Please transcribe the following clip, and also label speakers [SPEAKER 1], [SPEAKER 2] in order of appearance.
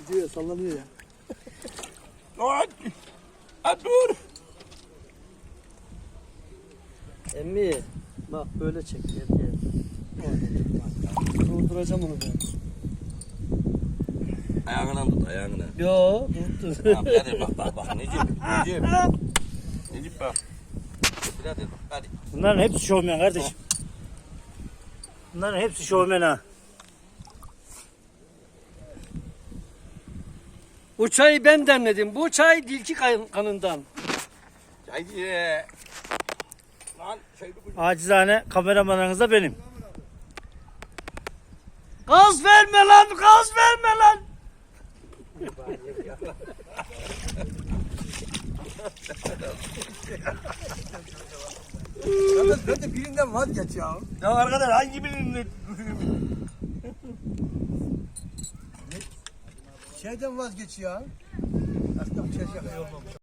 [SPEAKER 1] Gidiyor sallanıyor ya.
[SPEAKER 2] Dur.
[SPEAKER 1] Emmi bak böyle çek gel. Durduracağım onu ben.
[SPEAKER 2] Ayağından tut ayağından.
[SPEAKER 1] Yo dur.
[SPEAKER 2] Tamam hadi bak Necip. Necip bak. Hadi bak hadi.
[SPEAKER 3] Bunların hepsi şovmen kardeşim. Bunların hepsi şovmen ha.
[SPEAKER 1] Bu çayı ben demledim. Bu çay dilki kanından.
[SPEAKER 2] Haydi. Lan şey bu.
[SPEAKER 3] Acizane kameramanınız da benim.
[SPEAKER 1] Gaz verme lan, gaz verme lan.
[SPEAKER 4] Ben de birinden vazgeç ya.
[SPEAKER 2] Ya arkadaş hangi birinin?
[SPEAKER 4] Şeyden vazgeç ya. Aslında bu çeşme yok.